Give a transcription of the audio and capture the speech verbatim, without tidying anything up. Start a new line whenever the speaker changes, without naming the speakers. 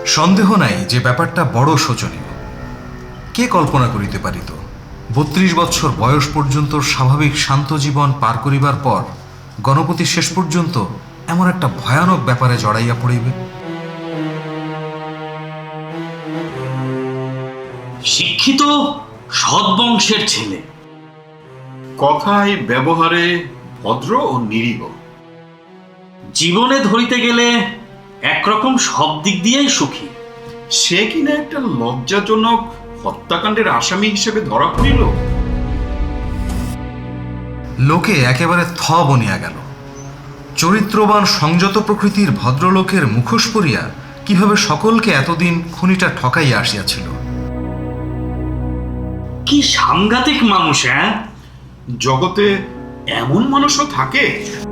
সন্দেহ নাই যে ব্যাপারটা বড় শোচনীয়। কে কল্পনা করিতে পারিত বত্রিশ বৎসর বয়স পর্যন্ত স্বাভাবিক শান্ত জীবন পার করিবার পর গণপতি শেষ পর্যন্ত এমন একটা ভয়ানক ব্যাপারে জড়াইয়া পড়িবে।
শিক্ষিত সৎবংশের ছেলে,
কথায় ব্যবহারে ভদ্র ও নিরীহ,
জীবনে ধরিতে গেলে একরকম সব দিক দিয়েই সুখী।
সে কিনা একটা লজ্জাজনক হত্যাকাণ্ডের আসামি হিসেবে ধরা পড়িল।
লোকে একেবারে থ বনিয়া গেল। চরিত্রবান সংযত প্রকৃতির ভদ্রলোকের মুখোশ পরিয়া কিভাবে সকলকে এতদিন খুনিটা ঠকাইয়া আসিয়াছিল।
কি সাংঘাতিক মানুষ! হ্যাঁ,
জগতে এমন মানুষও থাকে।